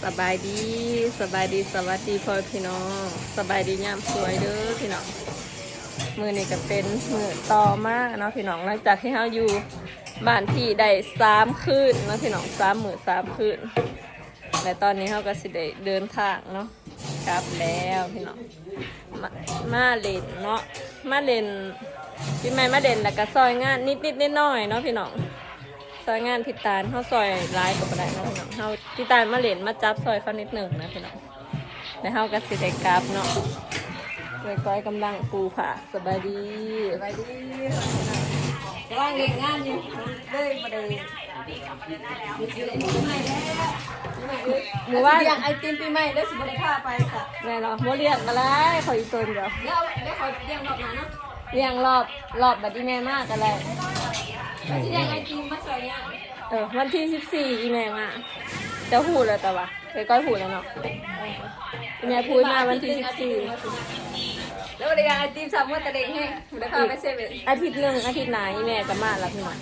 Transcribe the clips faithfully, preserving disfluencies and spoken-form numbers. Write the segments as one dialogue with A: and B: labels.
A: สบายดีสบายดีสวัสดีพ่อพี่น้องสบายดียามสวยเด้อพี่น้องมือนี่ก็เป็นมือต่อมากเนาะพี่น้องหลังจากที่เราอยู่บ้านพี่ได้สามคืนเนาะพี่น้องสามมือสามคืนและตอนนี้เราก็สิได้เดินทางเนาะกลับแล้วพี่น้องมามาเล่นเนาะมาเล่นพี่ไม่มาเล่นแล้วก็ซอยงานนิดนิดนิดน้อยเนาะพี่น้องซอยงานพิตาลเขาซอยร้ายกับอะไรเนาะพี่น้องเขาพิตาลมาเล่นมาจับซอยเขานิดหนึ่งนะพี่น้องแล้วเขาก็สิได้กลับเนาะเลยก้อยกำลังปูผ่าสบายดีสบายดีกำลังเล่นงานอยู่เลยมาเดินหมู่ว่าอยากไอติมปีใหม่ได้สิบริค่าไปค่ะแม่เนาะโมเรียกอะไรขออีกตัวเดียวแล้วได้ขอเรียงรอบไหนเนาะเรียงรอบรอบบัดดี้แม่มากกันเลยที่เรียงไอติมมาสวยเนี่ยเออวันที่สิบสี่อีแม่มาจะพูดแล้วแต่ว่าเคยก้อยพูดแล้วเนาะอีแม่พูดมาวันที่สิบสี่แล้ววันเรียงไอติมสามวันตะเด็กแห้งได้พาไปเซเว่นอาทิตย์หนึ่งอาทิตย์ไหนอีแม่จะมาแล้วพี่หน่อย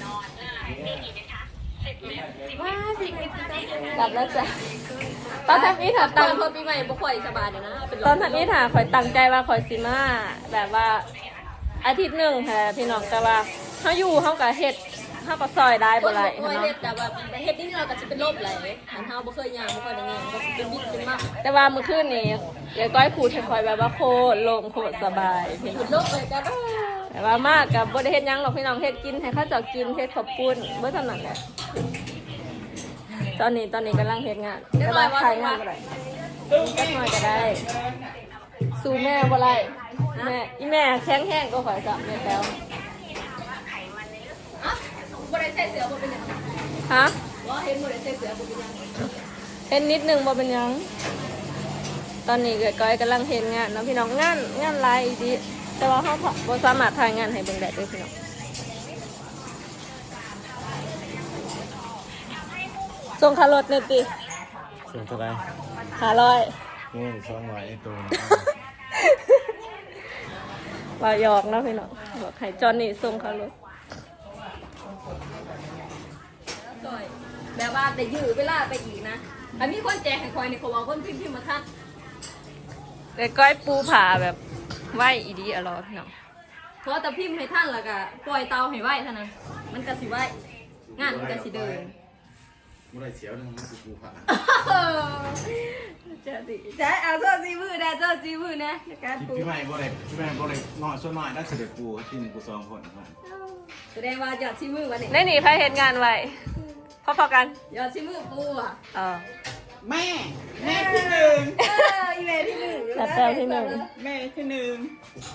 A: ว้าพี่ใหม่กลับแล้วจ้ะตอนทำนี้ถามตังค์พี่ใหม่บ่ค่อยสบายเดี๋ยวนะตอนทำนี้ถามคอยตั้งใจว่าคอยซิมาแบบว่าอาทิตย์หนึ่งค่ะพี่น้องแต่ว่าเขาอยู่เขากับเฮ็ดเขาก็ซอยได้บ่ไรเนาะเฮ็ดแต่ว่าเฮ็ดนี่เราก็จะเป็นโรคไหลอันเฮาบ่เคยย่างบ่ค่อยได้ย่างก็สิเป็นวิตเป็นมากแต่ว่าเมื่อคืนนี้ยายก้อยขูดให้คอยแบบว่าโคตรโล่งโคตรสบายพี่น้องโรคเลยก็ได้แต่ว่ามากกับบ่ได้เฮ็ดหยังหรอกพี่น้องเฮ็ดกินให้เขาเจ้ากินเฮ็ดขอบคุณบ่เท่านั้นแหละตอนนี้ตอนนี้กำลังเฮ็ดงานแต่ว่าขายงานบ่ได้ก็น้อยก็ได้สู้แม่บ่ไรแม่อีแม่แข็งแห้งก็ข่อยจ้ะแม่แต้วบ่ได้ใส่เสื้อบ่เป็นหยังฮะว่าเห็นบ่ได้ใส่เสื้อบ่เป็นหยังเห็นนิดนึงบ่เป็นหยังตอนนี้ก้อยกำลังเฮ็ดงานเนาะพี่น้องงานงานหลายอีดีแต่ว่าเฮาบ่สามารถถ่ายงานให้เบิ่งได้เด้อพี่น้องส่งค่ารถนี่ติ
B: ส่งเท่าไหร่
A: ห้าร้อย
B: โอ้ยสองร้อยไอ้ตัว
A: ว่าหยอกเนาะพี่น้องบอกให้จอนนี่ส่งค่ารถแบบว่าแต่ยื้อเวลาไปอีกนะอันนี้คนแจกให้คอยในเขาบอกคนพิมพ์พิมพ์มาทัดแต่ก้อยปูผ่าแบบไหวอีดีอร่อยพี่น้องเพราะแต่พิมพ์ให้ท่านแล้วก็ปล่อยเตาให้ไหวเท่านั้นมันก็สิไหวงานมันก็สิเดิน
B: ไม่ได้เสียวนึงมันคือปูผ่า
A: เจ้าดิใช่เอาเจ้าซีมือนะเจ้าซีมือนะการปู
B: พี่ใหม่บ่ได้พี่ใหม่บ่ได้น้อยส่วนน้อยน่าจะได้ปูที่หนึ่งปูสองคน
A: แสดงว่ายอดซีมือวันนี้ได้หนีใครเห็นงานไว้พอๆกันยอดซีมือปูอ่ะอ๋อ
C: แม่แม่ที่หนึ่ง
A: เอออีแม่ที่หนึ่งแล้วแต่ที่หนึ่ง
C: แม่ที่หนึ่ง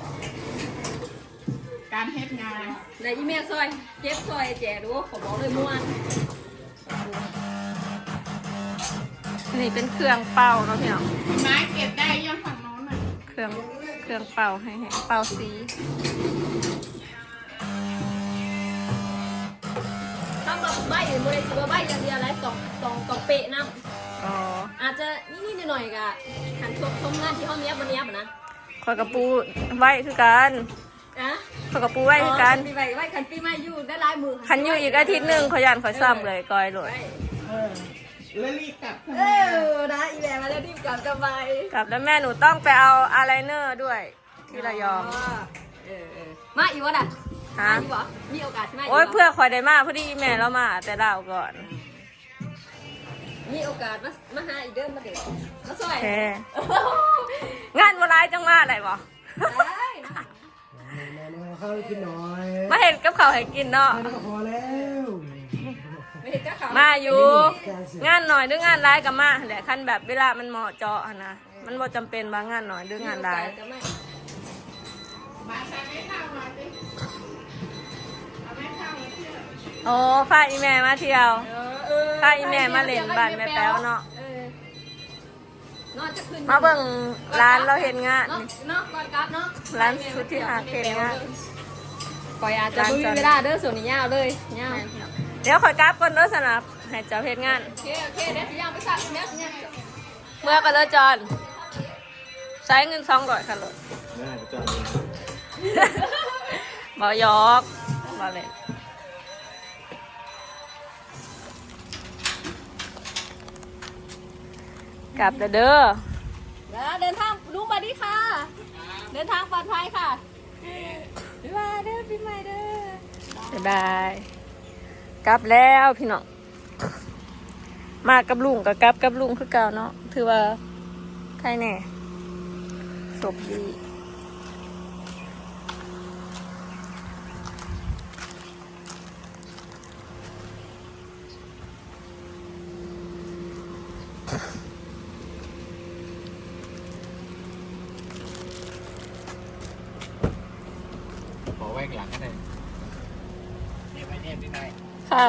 C: การเฮ็ดงาน
A: ในอีแม่ซอยเจ็บซอยแจกดูขอบอกเลยม่วนนี่เป็นเครื่องเป่าเนาะพี่น้อง
C: ไม้เก็บได้ย้อนฝั่งโน้นน่ะ
A: เครื่องเครื่องเป่าให้ให้เป่าสีถ้าแบบใบหรือบริสุทธิ์ใบอย่างเดียวอะไรต้องต้องต้องเป๊ะน้ำอ๋ออาจจะนิดๆหน่อยๆกะหันชมชมงานที่ห้องนี้วันนี้นะคอยกระปูใบคือกันอะคอยกระปูใบคือกันปีใบใบขันปีใหม่อยู่ได้ลายมือขันอยู่อีกอาทิตย์หนึ่งขยันขอยซ้ำเลยกอยเลย
C: แล้วรีบกลับ
A: เออนะอีแม่มาแล้วรีบกลับจะไปกลับแล้วแม่หนูต้องไปเอาอายไลเนอร์ด้วยที่ระยองเออมาอีกวะน่ะฮะมีโอกาสใช่ไหมโอ้ยเพื่อคอยได้มาพอดีแม่เรามาแต่เราก่อนมีโอกาสมามาหาอีกเดิมมาเด็กมาสวยงานวันไรจังมาอะไรบ่
D: ข้าวกินหน่อย
A: มาเห็นกับเขาให้กินเนาะ
D: พอแล้ว
A: มาอยู่งานหน่อยหรืองานร้ายกับมาแหละคันแบบเวลามันเหมาะเจาะนะมันบ่จำเป็นบางงานหน่อยหรืองานร้ายโอ้พาอีแม่มาเที่ยวพาอีแม่มาเล่นบ้านแม่แป๊วเนาะมาเบิ่งร้านเราเห็นงานร้านชุดที่หาเห็นงานคอยอาจจะไม่มีเวลาเด้อส่วนนี้ยาวเลยยาวเดี๋ยวคอยกราฟก่อนเด้อสนับให้เจ้าเพชรงานโอเคโอเคเดี๋ยวสิย่างไปสั่งเมื่อเมื่อกันเลยจอนใช้เงินสองร้อยค่ะรถ
B: ได้จอน
A: บ่ยอกบ่เลยกลับเด้อแล้วเดินทางลุงสวัสดีค่ะ เดินทางปลอดภัยค่ะบ๊ายบายเด้อพี่ใหม่เด้อบ๊ายบายกลับแล้วพี่น้องมากับลุงกับกลับกับลุงคือเก่าเนาะถือว่าใครแน่ศพดี
B: ขอไว้หลังก็ได้เนี่ยไปเนี่ยพี่นาย
A: ค่ะ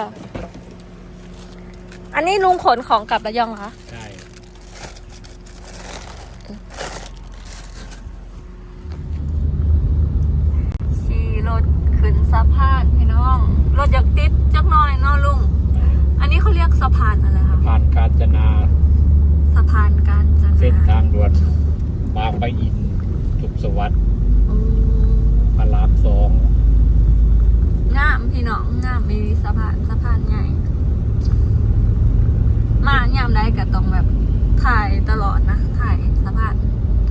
A: อันนี้ลุงขนของกลับระยองเหรอคะ
B: ใช่
A: ขี่รถขึ้นสะพานพี่น้องรถอยากติดจักหน่อยเนาะลุงอันนี้เขาเรียกสะพานอะไรคะ
B: ผ่านกาญจนา
A: สะพานกาญจนา
B: เส้นทางด่วนบางปะอินสุขสวัสดิ์
A: อืม
B: พระรามสอง
A: งามพี่น้องงามมีสะพานสะพานใหญ่มายามได้ก็ต้องแบบถ่ายตลอดนะถ่ายสะพาน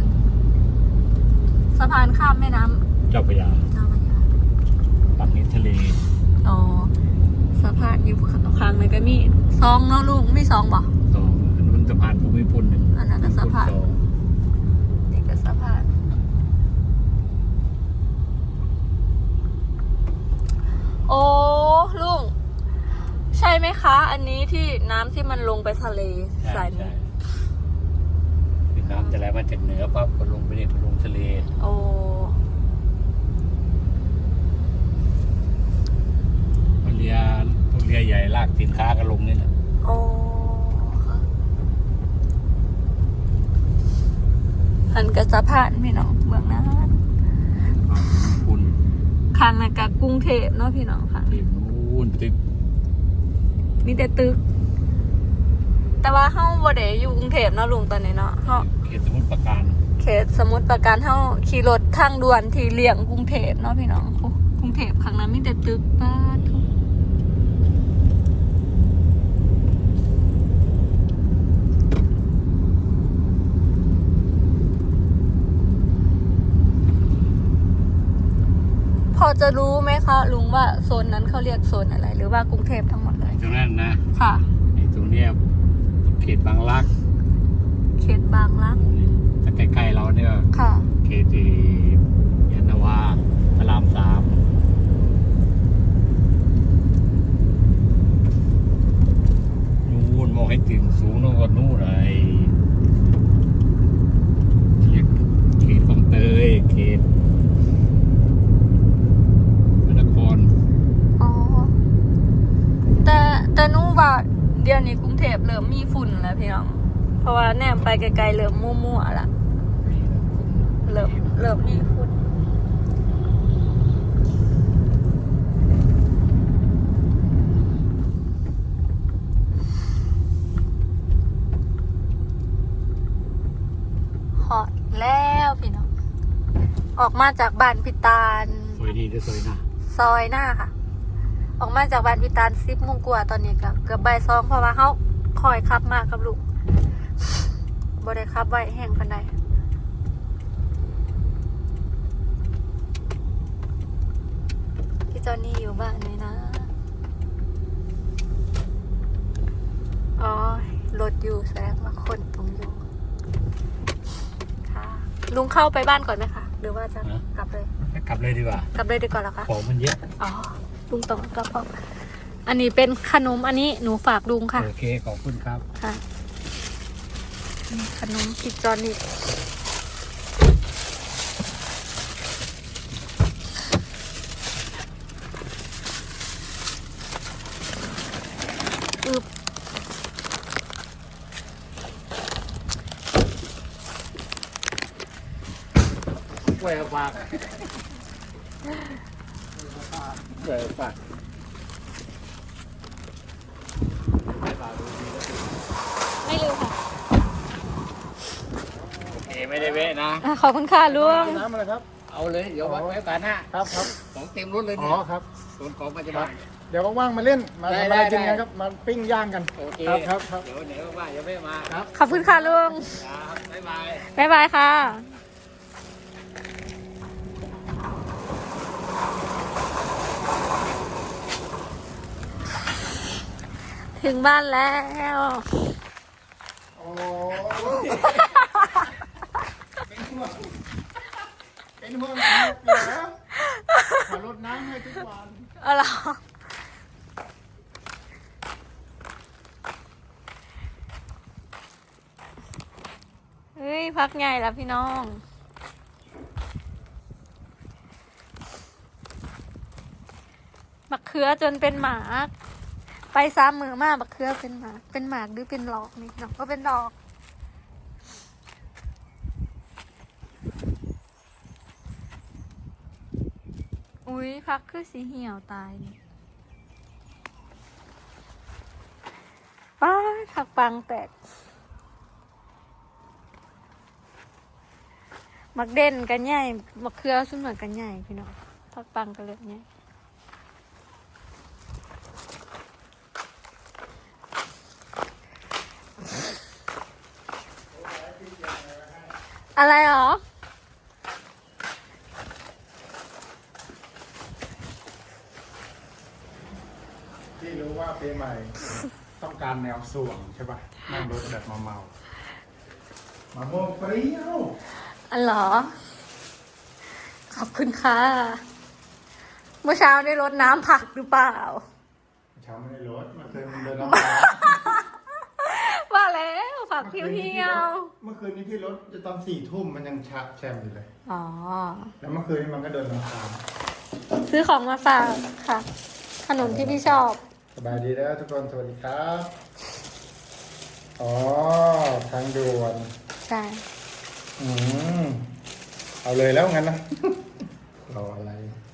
A: สะพานข้ามแม่น้ำ
B: เจ้าพระยา
A: เจ้าพระยา
B: ฝั่งนี้ทะเล
A: อ๋อสะพานอยู่ข้างในก็มีซองเนาะลุงมีซองบ่
B: สองอันนู้นสะพานภูมิพลหนึ่ง
A: อันนั้นก็สะพาน
B: สอง
A: นี่ก็สะพานโอ้ลุงใช่ไหมคะ อันนี้ที่น้ำที่มันลงไปทะเล
B: ใช่
A: สาย
B: ใช่
A: นี้
B: เป็นน้ำจะไหลมาจากเหนือปั๊บก็ลงไปเนี่ยลงทะเล
A: โอ้
B: เรือพวกเรือใหญ่ลากสินค้าก็ลงนี่แหละ
A: โอ้หันกับสะพานพี่น้องเมืองนั้น
B: คุณ
A: ข้างในกับกรุงเทพเนาะพี่น้องค่ะ
B: ทีมนู้นตึก
A: มีแต่ตึก แต่ว่าเฮาบ่ได้อยู่กรุงเทพเนาะลุงตอนนี้เนาะเฮา
B: เขตสมุทรปราการ
A: เขตสมุทรปราการเฮาขี่รถทางด่วนที่เลี่ยงกรุงเทพเนาะพี่น้องโอ้กรุงเทพข้างนั้นมีแต่ตึกบ้านทุกพอจะรู้ไหมคะลุงว่าโซนนั้นเขาเรียกโซนอะไร หรือว่ากรุงเทพทั้งหมดเลย
B: ตรงนั้นนะ
A: ค่ะ
B: ไอ้ตรงเนี้ยเขตบางรัก
A: เขตบางรัก
B: ถ้าใกล้ๆเราเนี่ย
A: ค่ะ
B: เขตที่ยานนาวาพระรามสามนู่นมองให้ถึงสูงนู่นก็นู่นไอ้เรียกเขตบางเตยเขตพระนคร
A: อ๋อ แต่แต่หนู้ว่าเดี๋ยวนี้กรุงเทพเริ่มมีฝุ่นแล้วพี่น้อง เพราะว่าแนมไปไกลๆเริ่มมั่วๆละเริ่มเริ่มมีฝุ่นฮอดแล้วพี่น้อง ออกมาจากบ้านพิตาล
B: สวยดีด้วยสวยนะ
A: ซอยหน้าค่ะ ออกมาจากบ้านพิตาลสิบโมงกว่าตอนนี้ก็เกือบบ่ายสองเพราะว่าเขาคอยขับมากับลูกบ่ได้ขับไว้แห้งปานใดพี่จอนนี่อยู่บ้านไหมนะอ๋อรถอยู่แสดงว่าคนตรงอยู่ค่ะลุงเข้าไปบ้านก่อนไหมคะหรือว่าจะกลับเลย
B: กลับเลยดีกว่าก
A: ลับเลยดีกว่าเหรอคะ
B: ของมันเยอะ
A: อ๋อลุงต้องกลับออกอันนี้เป็นขนมอันนี้หนูฝากลุงค่ะ
B: โอเคขอบคุณครับ
A: ค่ะนี่ขนมพิจอนนี่อึบ
B: แหวฝากแหวฝาก
A: ไม่ลืมค่ะ
B: โอเคไม่ได้เว้นะ
A: อ่ะขอบคุณค่ะลุง
D: น้ำอะไรครับ
B: เอาเลยเดี๋ยวไว้ไว้กันหน้า
D: ครับครับ
B: ของเต็มรถเลย
D: อ๋
B: เนี่
D: อย ครับ
B: ส่วนของปัจจุบัน
E: เดี๋ยวว่างๆมาเล่น มา
B: ได้
E: ทำอะไร
B: ได้
E: กินกัน
B: ได้
E: ครับ มาปิ้งย่างกัน
B: โอเค
E: ครับครับครับ
B: เดี๋ยวเดี๋ยวว่าจะไม่มาครับ
A: ขอบคุณค่ะลุง
B: ครับบ๊ายบาย
A: บ๊ายบายค่ะ ถึงบ้านแล้ว
E: โอ้เป็นห่วงเป็นห่วงเหรอขอรดน้ำให้ทุกวัน
A: เอาเหรอเฮ้ย พักใหญ่แล้วพี่น้อง บักเขือจนเป็นหมาก ไปซ้ำมือมากบักเขือเป็นหมาก เป็นหมากหรือเป็นหลอกนี่น้องก็เป็นดอก อุ้ยพักคือสีเหี่ยวตายนี่ป้าถักปังแตก มักเด่นกันใหญ่มักเครือสุ่มเหมือนกันใหญ่พี่น้องพักปังกันเลยใหญ่อะไรหรอ
E: ที่รู้ว่าปีใหม่ ต้องการแนวส่วงใช่ป่ะ นั่งรถแบบเมาเมาๆมะม่วงเปรี้ยว
A: อันเหรอ ขอบคุณค่ะ เมื่อเช้าได้รดน้ำผักหรือเปล่า
E: เช้าไม่ได้รถเมื่อคืนมันเดินน้ำตา
A: ว่าแล้วผักเพียว
E: เมื่อคืนนี้พี่รถจะตอนสี่ทุ่มมันยังชะแชมอยู่เลย
A: ๆอ๋อ
E: แล้วเมื่อคืนนี้มันก็เดินน้ำตา
A: ซื้อของมาฝากค่ะ ขนมที่พี่ชอบ
E: สบายดีแล้วทุกคนสวัสดีครับ อ๋อ ทางด่วน
A: ใช่
E: อืม เอาเลยแล้วงั้นนะ รออะไร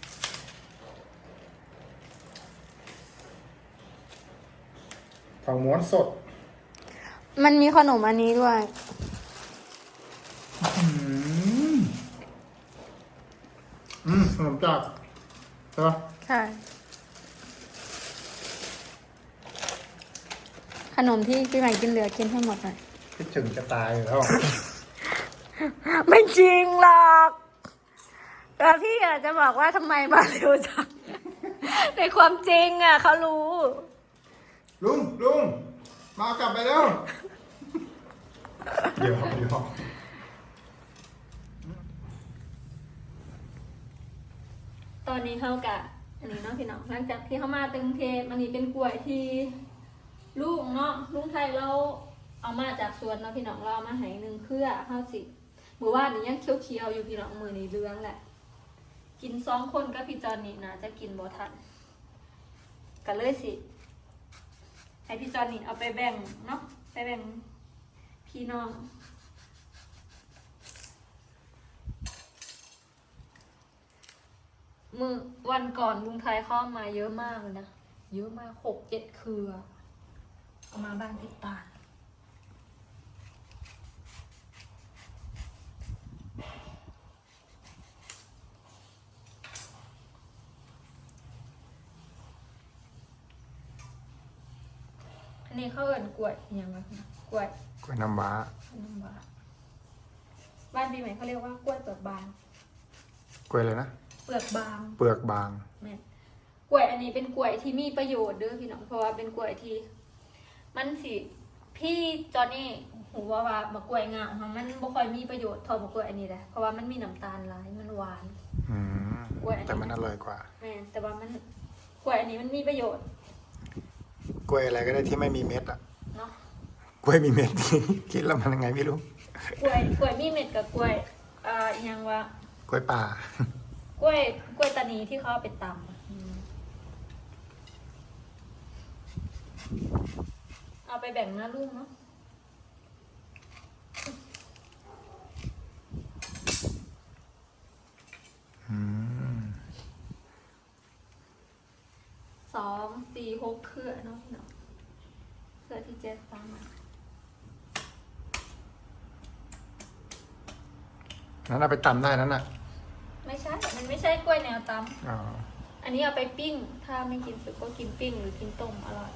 E: ทองม้วนสด
A: มันมีขนมอันนี้ด้วย
E: อืม อืมขนมจากใช่ปะ
A: ใช่ ขนมที่พี่ใหม่กินเหลือกินให้หมดหน่อย
E: คิดถึงจะตายอยู่แล้ว
A: ไม่จริงหรอกแต่พี่อาจจะบอกว่าทำไมมาเร็วจัง ในความจริงอ่ะเขารู้
E: ลุงลุงมากลับไปแล้ว เดี๋ยวเดี๋ยว
A: ตอนนี้เขากะอันนี้เนาะพี่น้องหลังจากที่เขามาตึงเทปอันนี้เป็นกล้วยที่ลูกเนาะลุงไทยเราเอามาจากสวนเนาะพี่น้องเราเอามาให้หนึ่งเครือข้าวสิเมื่อวานนี้ยังเคี้ยวๆอยู่พี่น้องมือนี้เลื้องแหละ กินสองคนก็พี่จอนนี่นะจะกินบ่ทันกันเลยสิให้พี่จอนนี่เอาไปแบ่งเนาะไปแบ่งพี่น้องมือวันก่อนลุงไทยเข้ามาเยอะมากเลยนะเยอะมากหกเจ็ดเครือเอามาบ้านพี่ตาลอันนี้เขาเอิ้นกล้วยอิหยังไงกล้วย
E: กล้วยน้ำว้า
A: น้ำว้าบ้านปีใหม่เขาเรียกว่ากล้วยเปลือกบาง
E: กล้วยเลยนะ
A: เปลือกบาง
E: เปลือกบาง
A: แม่นกล้วยอันนี้เป็นกล้วยที่มีประโยชน์เด้อพี่น้องเพราะว่าเป็นกล้วยที่มันสิพี่จอนนี่หูว่าว่ามะกล้วยงาของมันบ่ค่อยมีประโยชน์เท่ามะกล้วยอันนี้แหละเพราะว่ามันมีน้ำตาลหลายมันหวาน
E: อืม
A: กล้วยอันนี้
E: แต่มันอร่อยกว่า
A: แม่นแต่ว่ามันกล้วยอันนี้มันมีประโยชน์
E: กล้วยอะไรก็ได้ที่ไม่มีเม็ดอ่ะ
A: เนาะ
E: กล้วยมีเม็ด คิดแล้วมันยังไงไม่รู้
A: กล้วยกล้วยมีเม็ดกับกล้วยอ่าอหยังว่าก
E: ล้วยป่า
A: กล้วยกล้วยตานีที่เขาเอาไปตำอะอืมเอาไปแบ่งหน้าลูกเนาะ
E: อืม
A: สองสี่หกเครือเนาะพี่เนาะเครือที่เจ็ดซ้ำอะ
E: นั้นเอาไปตำได้นั่นน่ะ
A: ไม่ใช่ มันไม่ใช่กล้วยแนวต
E: อ๋อ
A: ำอันนี้เอาไปปิ้ง ถ้าไม่กินสุกก็กินปิ้งหรือกินต้มอร่อย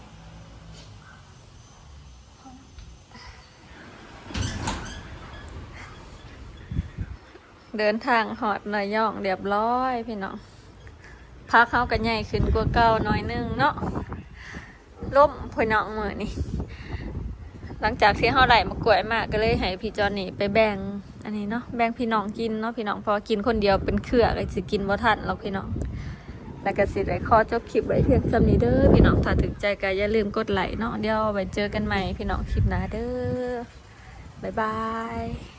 A: เดินทางหอดหน่อยย่องเรียบร้อยพี่น้องพักเขากันใหญ่ขึ้นกว่าเก่าหน่อยนึงเนาะล่มพี่น้องมือนี่หลังจากที่เขาไหลมากล้วยมากก็เลยให้พี่จอนนี่ไปแบ่งอันนี้เนาะแบ่งพี่น้องกินเนาะพี่น้องพอกินคนเดียวเป็นเครือก็สิกินบ่ทันหรอกพี่น้องแล้วก็สิได้ขอจบคลิปไว้เพียงสำนี้เด้อพี่น้องถ้าถึงใจก็อย่าลืมกดไลค์เนาะเดี๋ยวไปเจอกันใหม่พี่น้องคลิปหน้าเด้อบ๊ายบาย